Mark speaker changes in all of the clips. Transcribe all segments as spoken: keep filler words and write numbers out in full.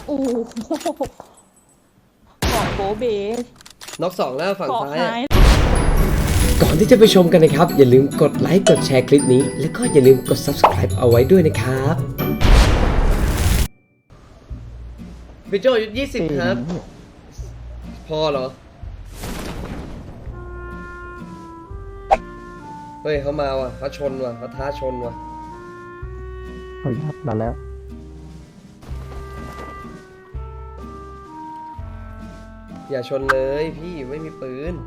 Speaker 1: โอ้โหเกาะโบเบ
Speaker 2: น็อกสองแล้วฝั่งซ้าย
Speaker 3: ก่อนที่จะไปชมกันนะครับอย่าลืมกดไลค์กดแชร์คลิปนี้แล้วก็อย่าลืมกด ซับสไครบ์ เอาไว้ด้วยนะครับ
Speaker 2: พี่โจอายุยี่สิบครับ พอเหรอ เฮ้ยเขามาว่ะเขาชนว่ะเขาท้าชนว่ะ
Speaker 4: เฮ้ยครับดันแล้ว
Speaker 2: อย่าชนเลยพี่ไม่มีปืน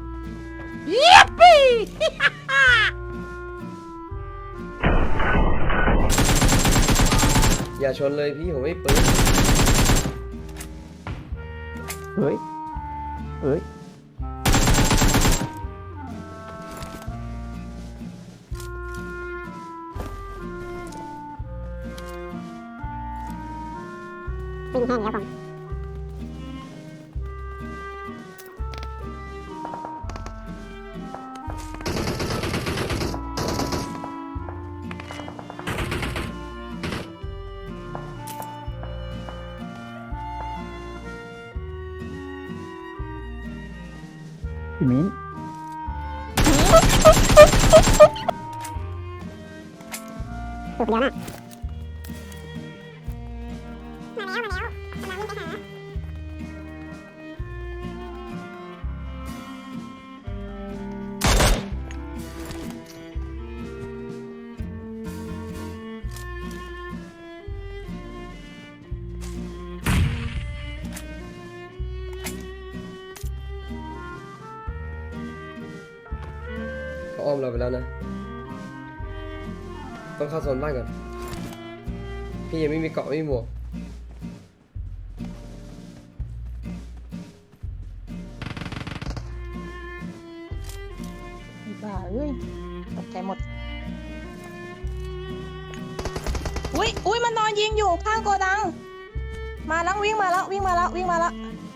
Speaker 2: อย่าชนเลยพี่ผมไม่มีปืน
Speaker 4: เฮ้ยเฮ้ย
Speaker 5: เป็นแห้งแล้วผม
Speaker 4: พี่มิ้น
Speaker 5: เกือบเดียวนะมาแล้วมาแล้วกำลังวิ่งไปหา
Speaker 2: เขาอ้อมเราไปแล้วนะต้องเข้าโซนบ้านก่อนพี่ยังไม่มีเกาะไม่มีหมวก
Speaker 1: บ้าเอ้ยตกใจหมดอุ้ยอุ้ยมันนอนยิงอยู่ข้างโกดังมาแล้ววิ่งมาแล้ววิ่งมาแล้ววิ่งมาแล้ว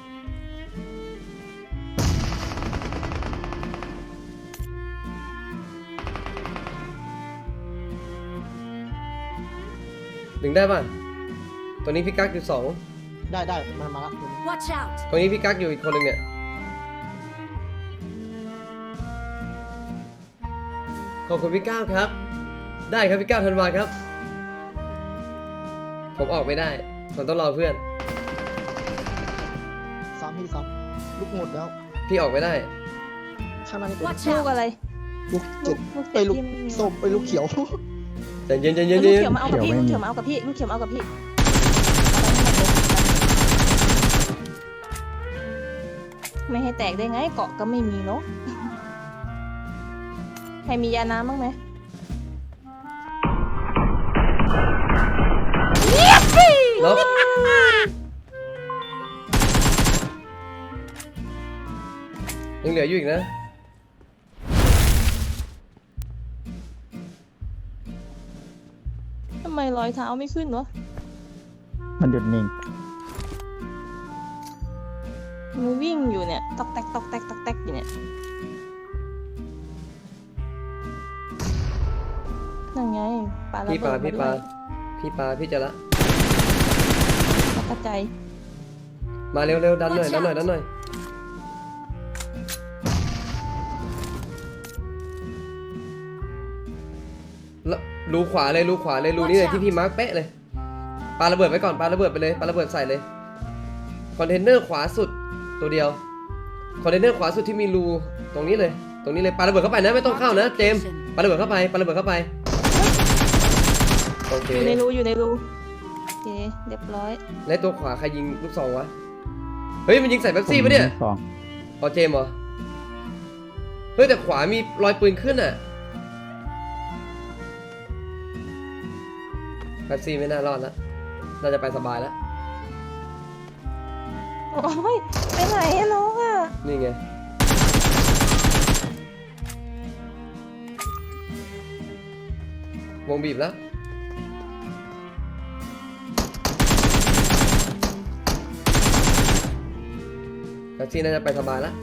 Speaker 2: ดึงได้ป่ะตัวนี้พี่กั๊กอยู่สอง
Speaker 4: ได้ได้มามาละ
Speaker 6: Watch out!
Speaker 2: ตรงนี้พี่กั๊กอยู่อีกคนหนึ่งเนี่ยขอบคุณพี่ก้าวครับได้ครับพี่ก้าวธันวาครับผมออกไม่ได้ผมต้องรอเพื่อน
Speaker 4: ซ้ำพี่ซ้ำลูกหมดแล้ว
Speaker 2: พี่ออกไม่ได้
Speaker 4: ข้างหน้านี่เป็น
Speaker 6: Watch
Speaker 1: ลูก
Speaker 6: out!
Speaker 1: อะไร
Speaker 4: ลูกเจ็ด
Speaker 1: ลูก
Speaker 4: ไปลูก
Speaker 1: ที่ไม่มี
Speaker 4: ส้มไปลูกเขียว
Speaker 2: ใจเย็นใจ
Speaker 1: ลู
Speaker 2: เย็น
Speaker 1: ก
Speaker 2: ใจเย็
Speaker 1: เขีย
Speaker 2: น
Speaker 1: วมาเอากับพี่
Speaker 4: เขี
Speaker 1: ลูก
Speaker 4: ยว
Speaker 1: เขียว
Speaker 4: ไม่
Speaker 1: มา
Speaker 4: มี
Speaker 1: เอากับพี่ลูกเขียวมาเอากับพี่ไม่ให้แตกได้ไงเกาะก็ไม่มีเนาะใครมียาน้ำบ้างไหม
Speaker 2: ล็อกยังเหลืออยู่อีกนะ
Speaker 1: ทำไมรอยเท้าไม่ขึ้นวะ
Speaker 4: มันหยุดนิ่ง
Speaker 1: มันวิ่งอยู่เนี่ยตอกแตกตอกแตกตอกแตกอยู่เนี่ยนั่นไงปลาระ
Speaker 2: พี่ป
Speaker 1: เบิ
Speaker 2: ลา
Speaker 1: ด
Speaker 2: พี่ปลาพี่ปลาพี่จะละ
Speaker 1: กระจาย
Speaker 2: มาเร็วเร็วดันหน่อยดันหน่อยดันหน่อยแล้วรูขวาเลยรูขวาเลยรูนี้เลยที่พี่มาร์คเป๊ะเลยปาระเบิดไว้ก่อนปาระเบิดไปเลยปาระเบิดใส่เลยคอนเทนเนอร์ขวาสุดตัวเดียวคอนเทนเนอร์ขวาสุดที่มีรูตรงนี้เลยตรงนี้เลยปาระเบิดเข้าไปนะไม่ต้องเข้านะเจมส์ปาระเบิดเข้าไปปาระเบิดเข้าไปโอเค
Speaker 1: อยู่ในรูอยู่ในรูโอเคเรียบร้อย
Speaker 2: และตัวขวาใครยิงลูกซองวะเฮ้ยมันยิงใส่แบ็คซี่ปะเนี่ย
Speaker 4: สอง
Speaker 2: พอเจมส์เหรอเฮ้ยแต่ขวามีรอยปืนขึ้นอ่ะแบ็คซี่ไม่น่ารอดแล้วน่าจะไปสบายแล้ว
Speaker 1: โอ้ยไปไหนอะน้องอะ
Speaker 2: นี่ไงวงบีบแล้ว แท็กซี่น่าจะไปสบายแล้ว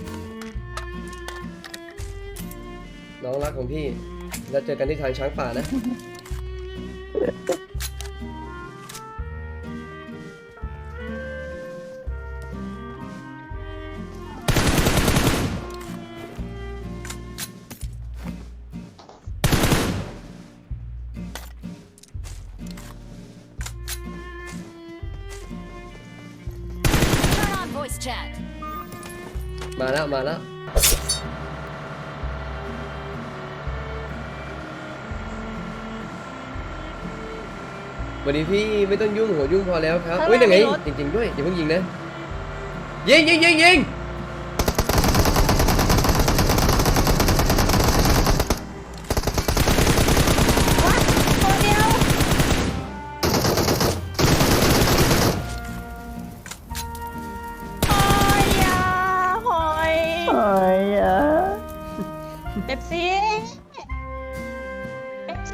Speaker 2: น้องรักของพี่แล้วเจอกันที่ทางช้างป่านะ
Speaker 6: voice chat.
Speaker 2: มาแล้วมาแล้ววันนี้พี่ไม่ต้องยุ่งหัวยุ่งพอแล้วครับ
Speaker 1: ข้างหน้า
Speaker 2: เฮ้ยยังไง
Speaker 1: มีรถ
Speaker 2: จริงๆด้วยอย่าเพิ่งยิงนะยิงยิงยิงยิง
Speaker 1: ตัวเดียวหอยอ่ะหอย
Speaker 4: เอ้ยอ่ะ
Speaker 1: เป๊ปซี่เป๊ปซี่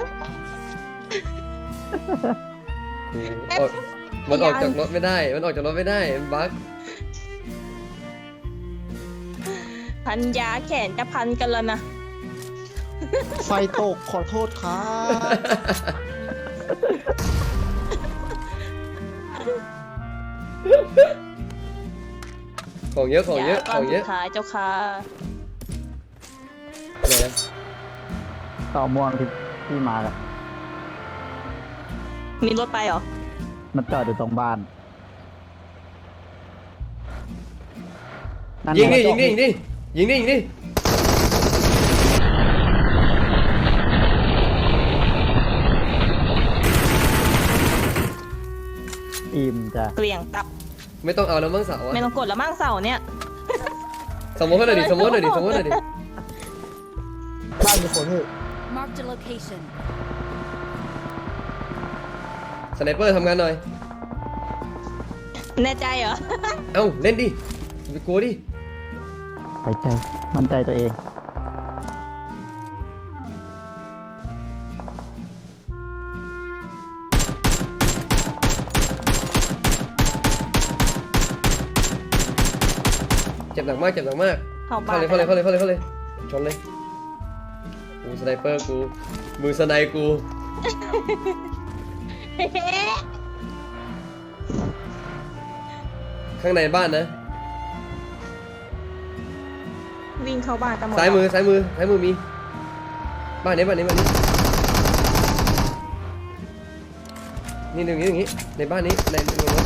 Speaker 2: ออกมันออกจากรถไม่ได้ มันออกจากรถไม่ได้มันบั๊ก
Speaker 1: พันยาแขนจะพันกันแล้วนะ
Speaker 4: ไฟตกขอโทษครับ
Speaker 2: ของเยอะของเยอะ
Speaker 1: ก้
Speaker 2: ข
Speaker 1: อน
Speaker 2: องเย
Speaker 1: สุ
Speaker 2: อะ
Speaker 1: ดท้ายเจ้าค่ะ
Speaker 2: ไหนนะ
Speaker 4: ต่อม่วงที่ที่มาอะ
Speaker 1: มีรถไปเหรอ
Speaker 4: มันจอดอยู่ตรงบ้านนั่น
Speaker 2: ยิงดิ
Speaker 4: ไ
Speaker 2: ยิงดิยิงดิยิงดิยิงดิ
Speaker 4: อิ่มจ้ะ
Speaker 1: เกลี่ยงตับ
Speaker 2: ไม่ต้องเอาแล้วมั้งเสาอะ
Speaker 1: ไม่ต้องกดแล้วมั่งเสาเนี่ย
Speaker 2: สมมติหน่อยดิสมมติหน่อยดิสมมติหน่อยดิ
Speaker 4: บ้านมีคนพี่
Speaker 6: Marked a location.
Speaker 2: สไนเปอร์ทำงานหน่อย
Speaker 1: แน่ใจเหรอ
Speaker 2: เอ้าเล่นดิอย่าไปกลัวดิ
Speaker 4: ไปใจ มั่นใจตัวเอง
Speaker 2: เจ็บหนักมากเจ็บหนักมาก
Speaker 1: เข้าบ้า
Speaker 2: เข้าน เลยเข้าเลยเข้าเลยเข้าเลยเข้าเลยชนเลยกูสไนเปอร์กูมือสไนกู ข้างในบ้านนะ
Speaker 1: วิ่งเข้าบ้านกันหมด
Speaker 2: ซ้ายมือซ้ายมือซ้ายมือมี บ้านนี้บ้านนี้บ้านนี้นี่หนึ่งนี้อย่างนี้ในบ้านนี้ในในรถ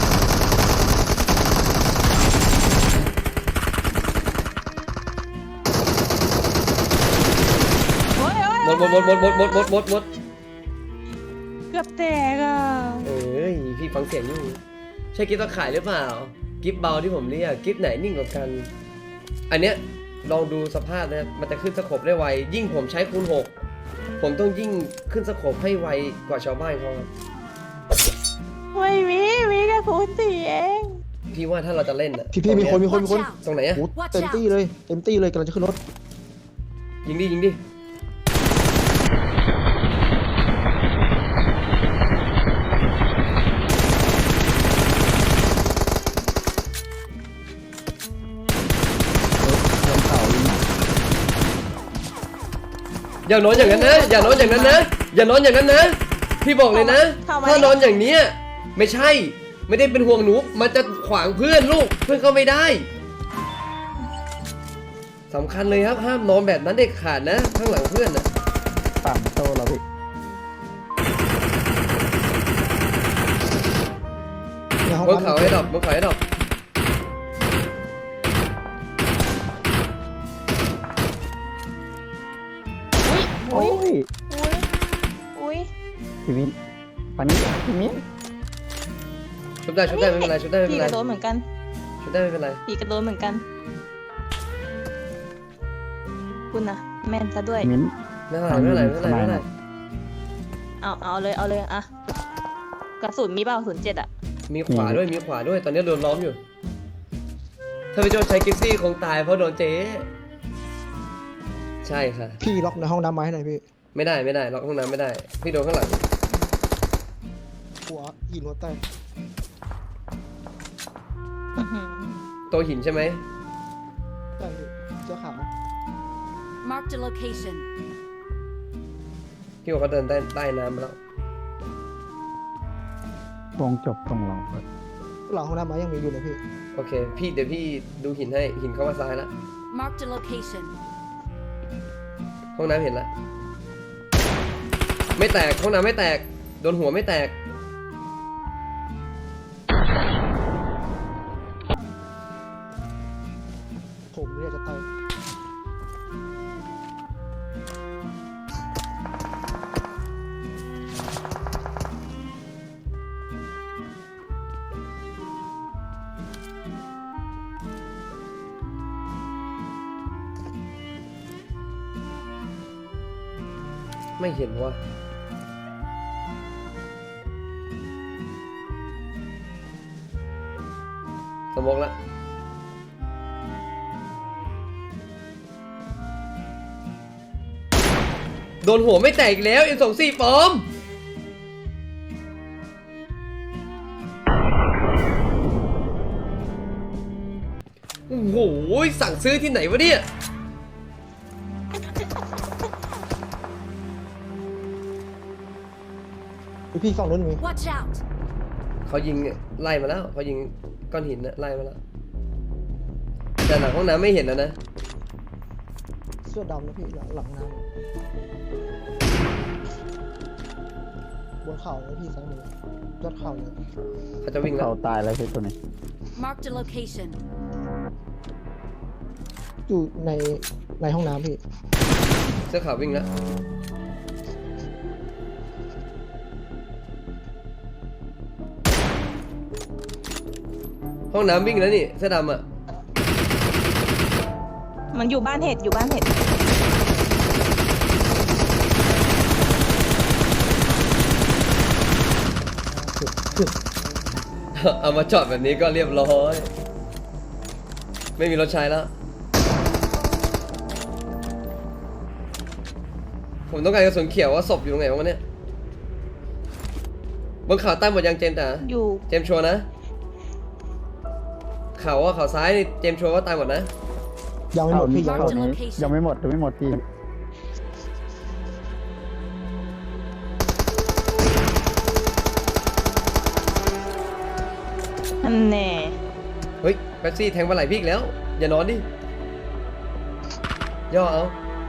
Speaker 1: โอ๊ยโอ๊ย
Speaker 2: หมดหมดหมดหมดหมดหมดหมดหมดหมด
Speaker 1: เกือบแตกอ่ะ
Speaker 2: เอ้ยพี่ฟังเสียงอยู่ใช่กิฟต์ตะข่ายหรือเปล่ากิฟต์เบาที่ผมเรียกกิฟต์ไหนนิ่งกว่ากัน อันเนี้ยลองดูสภาพนะมันจะขึ้นสโคปได้ไวยิ่งผมใช้คูณหกผมต้องยิ่งขึ้นสโคปให้ไวกว่าชาวบ้านเขาครับ
Speaker 1: ไม่มีมีแค่คูณสี่เอง
Speaker 2: พี่ว่าถ้าเราจะเล่นอะ
Speaker 4: พี่พี่มีคนมีคนมี
Speaker 6: Watch
Speaker 4: คน
Speaker 6: out.
Speaker 2: ตรงไหนอะ
Speaker 4: โอ้เต็มตี้เลย เต็มตี้เลยกำลังจะขึ้นรถ
Speaker 2: ยิงดิยิงดิ
Speaker 4: เต็มเขาอีก
Speaker 2: อย่านอนอย่างนั้นนะอย่านอนอย่างนั้นนะอย่านอนอย่างนั้นนะพี่บอกเลยนะ ถ้านอนอย่างเนี้ยไม่ใช่ไม่ได้เป็นห่วงหนูมันจะขวางเพื่อนลูกเพื่อนเข้าไม่ได้สำคัญเลยครับห้ามนอนแบบนั้นเด็ดขาดนะข้างหลังเพื่อนนะ
Speaker 4: ปั่นโตเราพี่ ในห้อง
Speaker 2: บนเขาให้ดอกบนเขาให้ดอก
Speaker 4: โอ้ย
Speaker 1: อุ้ยอุ้ย
Speaker 4: พี่มิ้นปันนี้พี่มิ้น
Speaker 2: ชุบได้ชุบได้ไม่เป็นไรชุบได้ไม่เป็
Speaker 1: พี่
Speaker 2: นไร
Speaker 1: กระโดดเหมือนกัน
Speaker 2: ชุบได้ไม่เป็นไร
Speaker 1: พี่กระโดดเหมือนกัน คุณนะแม่นซะด้วย
Speaker 4: มิ้น
Speaker 2: ไม่เป็นไรไม่เป็นไรไม่เป็นไรไม่เป็นไร
Speaker 1: เอาเอาเลยเอาเลยอะกระสุนมีเปล่าศูนย์เจ็ดอะ
Speaker 2: มีขวาด้วยมีขวาด้วยตอนนี้โดนล้อมอยู่ ถ้าพี่โจใช้กิฟซี่คงตายเพราะโดนเจ๊ใช่ค่ะ
Speaker 4: พี่ล็อกในห้องน้ำไม้ให้หน่อยพี่
Speaker 2: ไม่ได้ไม่ได้ล็อกห้องน้ำไม่ได้ พี่โดนข้างหลัง
Speaker 4: หัวหินหัวแตก
Speaker 1: อื้อหือ
Speaker 2: ตัวหินใช่ไหม
Speaker 4: ใช่พี่เสื้อขาว
Speaker 6: Marked a location.
Speaker 2: พี่บอกเขาเดินใต้ใต้น้ำมาแล้ว
Speaker 4: วงจบตรงเราหลังห้องน้ำไม้ยังมีอยู่เลยพี่
Speaker 2: โอเค พี่เดี๋ยวพี่ดูหินให้หินเข้ามาซ้ายแล้ว
Speaker 6: Marked a location.
Speaker 2: ห้องน้ำเห็นแล้วไม่แตกห้องน้ำไม่แตกโดนหัวไม่แตกไม่เห็นว่ะสมองละโดนหัวไม่แตกอีกแล้ว เอ็ม สองสิบ ปลอมโอ้โหสั่งซื้อที่ไหนวะเนี่ย
Speaker 4: พี่ฝั่งนู้นมี
Speaker 6: Watch out!
Speaker 2: เขายิงไล่มาแล้วเขายิงก้อนหินนะไล่มาแล้วแต่หลังห้องน้ำไม่เห็นแล้วนะ
Speaker 4: เสื้อดำนะพี่หลังหลังน้ำบนเข่าเลยพี่ซ้ายมือยอดเข่าเลย
Speaker 2: เขาจะวิ่งแล้ว
Speaker 7: เขาตายแล้วพี่ตัวนี้
Speaker 6: Marked a location.
Speaker 4: อยู่ในในห้องน้ำพี่
Speaker 2: เสื้อขาววิ่งแล้วห้องน้ำวิ่งแล้วนี่เสื้อดำอ่ะ
Speaker 1: มันอยู่บ้านเห็ดอยู่บ้านเห็ด
Speaker 2: เอามาจอดแบบนี้ก็เรียบร้อยไม่มีรถใช้แล้วผมต้องการกระสุนเขียวว่าศพอยู่ตรงไหนวะเนี่ยบนเขาใต้หมดยังเจมส์จ๋า
Speaker 1: อยู่
Speaker 2: เจมส์ชัวร์นะเขาว่าเขาซ้ายนี่เจมส์ชัวร์ว่าตายหมดนะ
Speaker 4: ยังไม่หมดพี่ยัง
Speaker 7: เขา
Speaker 4: ไม่หมด
Speaker 7: นี้ยังไม่หมดยังไม่หมดพี่
Speaker 1: นั่นแน่
Speaker 2: เฮ้ยแบ็กซี่แทงปลาไหลพี่อีกแล้ว อย่านอนดิ ย่อเอา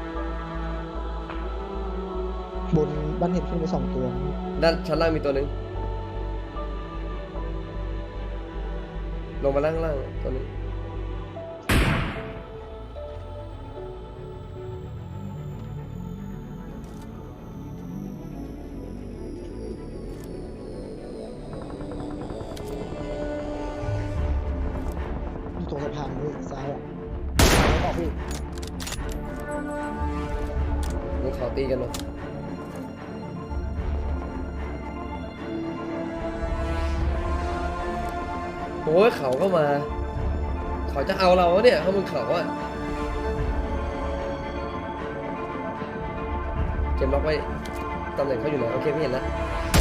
Speaker 4: บนบ้านเห็ดขึ้นไปสองตัว
Speaker 2: ด้านชั้นล่างมีตัวหนึ่งลงมาล่างล่างตัวหนึง
Speaker 4: อยู่ตรงสะพานด้วยซ้ายอ่ะออกพี่
Speaker 2: มึงขอตีกันหน่อยโอ้ยเขาก็มา เขาจะเอาเราวะเนี่ยเขามึงเขาอะเกมล็อกไว้ตำแหน่งเขาอยู่ไหนโอเคไม่เห็นแล้ว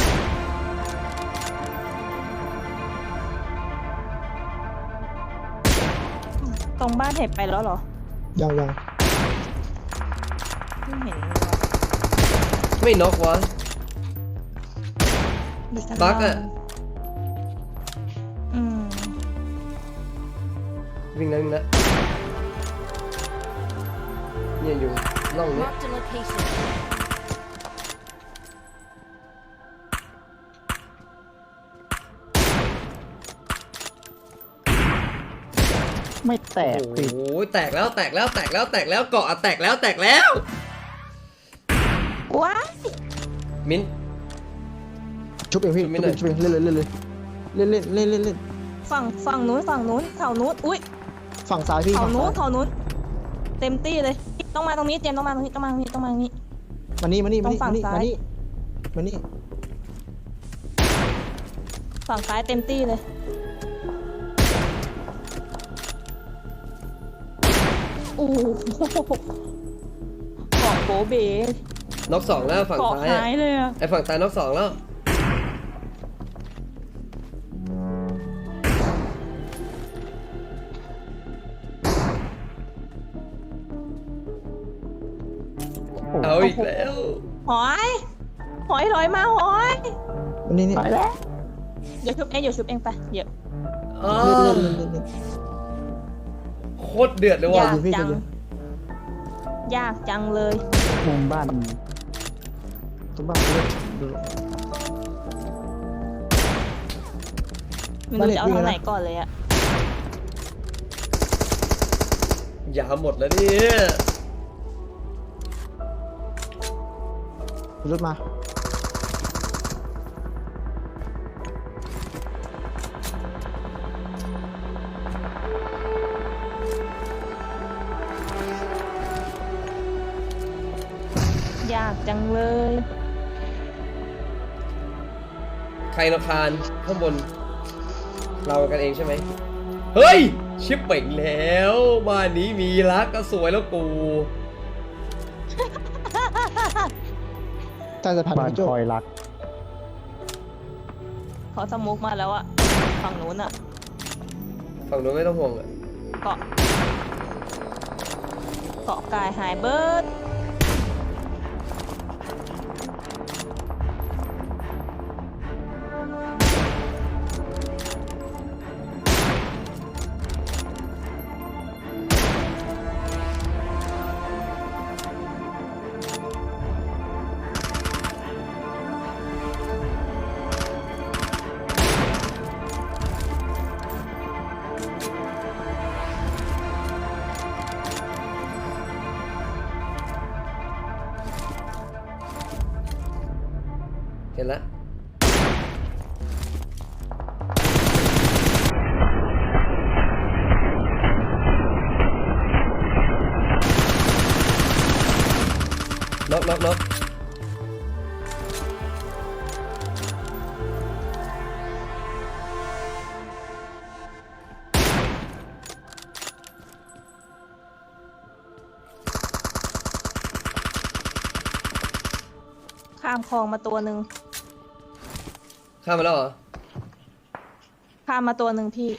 Speaker 1: ตรงบ้านเห็ดไปแล้วเหรอ
Speaker 4: ยังยัง
Speaker 1: ไม่เห็น
Speaker 2: ไม่น็อกวะ
Speaker 1: เลย
Speaker 2: บั๊กอะ
Speaker 1: อืม
Speaker 2: วิ่งแล้ววิ่งแล้วเนี่ยอยู่ล่องเนี้ย
Speaker 6: Marked a location.
Speaker 7: ไม่แตก
Speaker 2: โอ้
Speaker 7: พี่
Speaker 2: โหแตกแล้วแตกแล้วแตกแล้วแตกแล้วเกาะอะแตกแล้วแตกแล้ว
Speaker 1: ว้าย
Speaker 2: มิ้น
Speaker 4: ชุบเองพี่
Speaker 2: ชุ
Speaker 4: ชุ
Speaker 2: บบ ไม่หน่
Speaker 4: เอ
Speaker 2: อย
Speaker 4: งชุบเองเล่นเลยเล่นเลยเล่นเล่นเล่นเล่นเล่น
Speaker 1: ฝั่งฝั่งนู้นฝั่งนู้นเขานู้นอุ้ย
Speaker 4: ฝั่งซ้ายพี่
Speaker 1: เขา
Speaker 4: ฝั่ง
Speaker 1: นู้
Speaker 4: ซ้าน ย
Speaker 1: เขานู้นเต็มตี้เลย ต้องมาตรงนี้เจมส์ต้องมาตรงนี้ต้องมาตรงนี้ต้องมาตรงนี้
Speaker 4: มานี่มานี่มานี่
Speaker 1: ตรงฝั่
Speaker 4: มาง นี่
Speaker 1: ซ้าย
Speaker 4: มานี่มานี่
Speaker 1: ฝั่งซ้ายเต็มตี้เลยโอ้โหเกาะโบเบ
Speaker 2: น็อกสองแล้วฝั่ง
Speaker 1: เกาะ
Speaker 2: ซ้ายอะ
Speaker 1: หายเลยอะ
Speaker 2: ไอฝั่งซ้ายน็อกสองแล้วเอาอีกแล้ว
Speaker 1: หอย หอยลอยมาหอย
Speaker 4: มานี่นี่
Speaker 7: ไปแล้ว
Speaker 1: เดี๋ยวชุบเองเดี๋ยวชุบเองไปเดี๋ยว
Speaker 2: อ้า
Speaker 4: เล่
Speaker 2: วน
Speaker 4: เล่นเล่นเล่น
Speaker 2: โคตรเดือดเลย
Speaker 1: อ
Speaker 2: ว่ะ
Speaker 1: ยาก
Speaker 4: พี่
Speaker 1: จัง
Speaker 4: เดี๋ยว
Speaker 1: ยากจังเลย
Speaker 7: มุมบ้าน
Speaker 4: ตรงบ้านเล่นดู
Speaker 1: ไม่รู้จะเอาทางไหนก่อนเลยอะ
Speaker 2: ยาหมดแล้วเนี่ย
Speaker 4: รถมา
Speaker 1: ยากจังเลย
Speaker 2: ใครรำคาญข้างบน เรากันเองใช่ไหมเฮ้ยชิปเป่งแล้วบ้านนี้มีรักก็สวยแล้วกู
Speaker 4: ใต้สะพาน
Speaker 7: บ้าน
Speaker 4: พี่โจ
Speaker 7: คอยรัก
Speaker 1: เขาสมุกมาแล้วอะฝั่งนู้นอะ
Speaker 2: ฝั่งนู้นไม่ต้องห่วงอะ
Speaker 1: เกาะเกาะกายหายเบิร์ด
Speaker 2: เห็นละน็อกน็อกน็อก
Speaker 1: ข้ามคลองมาตัวหนึ่ง
Speaker 2: ข้ามมาแล้วเหรอ
Speaker 1: ข้ามมาตัวหนึ่งพี่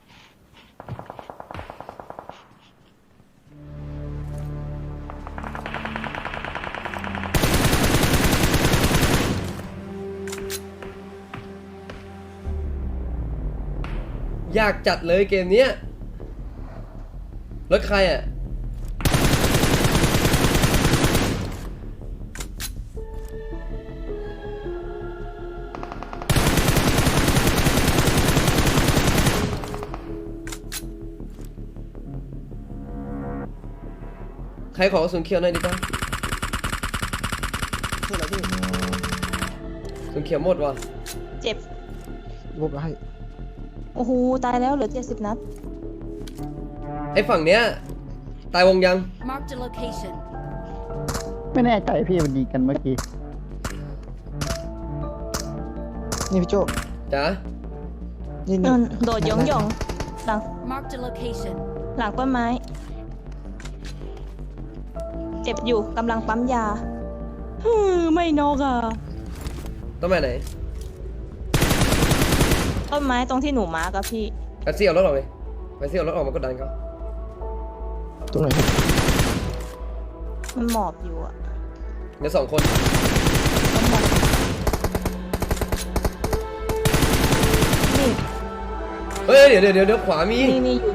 Speaker 2: ยากจัดเลยเกมเนี้ยรถใครอ่ะใครขอกระสุนเขียวหน่อยดิจ้า
Speaker 4: คืออะไรพี่
Speaker 2: กระสุนเขียวหมดว่ะ
Speaker 1: เจ็บ
Speaker 4: รูปให้
Speaker 1: โอ้โห ตายแล้วเหลือเจ็ดสิบนัด
Speaker 2: ไอ้ฝั่งเนี้ยตายวงยัง
Speaker 6: Marked a location.
Speaker 7: ไม่แน่ใจพี่มันยิงกันเมื่อกี้
Speaker 4: นี่พี่โจ
Speaker 2: จ๋า
Speaker 4: นี่
Speaker 1: น
Speaker 4: นี่
Speaker 1: นโดดหยองหยองหลัง
Speaker 6: Marked a location.
Speaker 1: หลังต้นไม้ เจ็บอยู่กำลังปั๊มยาฮึมไม่นอกอ่ะ
Speaker 2: ต้องมาไหน
Speaker 1: ต้นไม้ตรงที่หนูมาร์กอะพี่
Speaker 2: ไปซี่เอารถออกเลยไปซี่เอารถออกมากดดันเขา
Speaker 4: ตรงไหนพี่
Speaker 1: มันหมอบอยู่อะ
Speaker 2: เดี๋ยวสองคน
Speaker 1: มันหมอบนี่
Speaker 2: เฮ้ยเดี๋ยวเดี๋ยวเดี๋ยวเดี๋ยวขวามี
Speaker 1: นี่นี่อยู่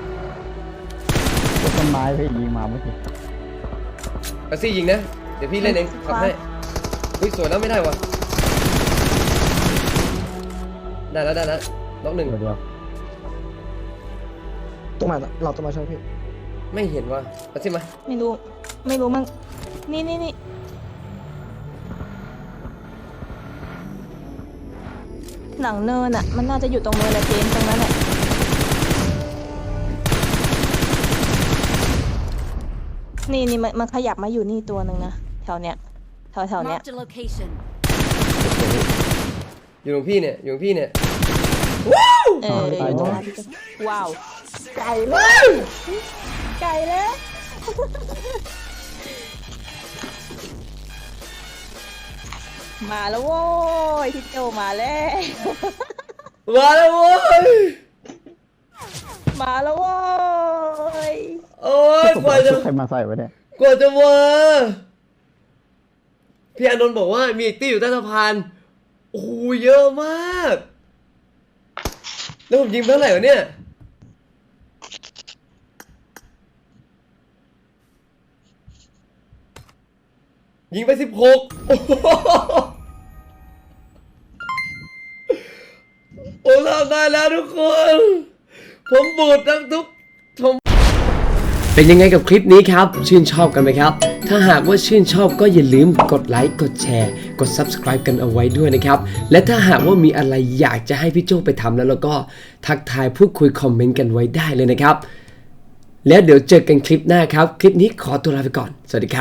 Speaker 7: ต้นไม้พี่ยิงมาเมื่อกี้
Speaker 2: ไปซี่ยิงนะ เดี๋ยวพี่เล่นเองขับให้อุ้ยสวยแล้วไม่ได้วะได้แล้วได้แล้วล็อกหนึ่ง
Speaker 7: ตัวเดียว
Speaker 4: ตรงไหนเราต้องมาใช่ไหมพี่
Speaker 2: ไม่เห็นว่ะไปซี่มา
Speaker 1: ไม่รู้ ไม่รู้มัน นี่นี่นี่หลังเนินอะมันน่าจะอยู่ตรงเนินแหละเจมส์ตรงนั้นแหละนี่นี่มันมันขยับมาอยู่นี่ตัวหนึ่งนะแถวเนี้ยแถวแถวเนี้ย
Speaker 6: Marked a location.
Speaker 2: อยู่ตรงพี่เนี่ยอยู่ตรงพี่เนี่ย
Speaker 1: เอออยู่ตรงนั้นพี่จะว้าว ไก่เลย ไก่แล้ว มาแล้วโว้ยพี่โจมาแล้ว
Speaker 2: มาแล้วโว้ย
Speaker 1: มาแล้วโว้ย
Speaker 2: โอ้ย
Speaker 7: ผม
Speaker 2: กว่า
Speaker 7: เอา
Speaker 2: จะ
Speaker 7: ชุดใครมาใส่ไว้เนี่ย
Speaker 2: กว่าจะมาพี่อานนท์บอกว่ามีอีกตี้อยู่ใต้สะพานโอ้โหเยอะมากแล้วผมยิงไปเท่าไหร่วะเนี่ยยิงไปสิบหกโอ้โหโอ้ทำได้แล้วทุกคน ผมบูดทั้งทุกผม
Speaker 3: เป็นยังไงกับคลิปนี้ครับ ชื่นชอบกันไหมครับ ถ้าหากว่าชื่นชอบก็อย่าลืมกดไลค์กดแชร์กด ซับสไครบ์ กันเอาไว้ด้วยนะครับและถ้าหากว่ามีอะไรอยากจะให้พี่โจ้ไปทำแล้วเราก็ทักทายพูดคุยคอมเมนต์กันไว้ได้เลยนะครับแล้วเดี๋ยวเจอกันคลิปหน้าครับคลิปนี้ขอตัวลาไปก่อนสวัสดีครับ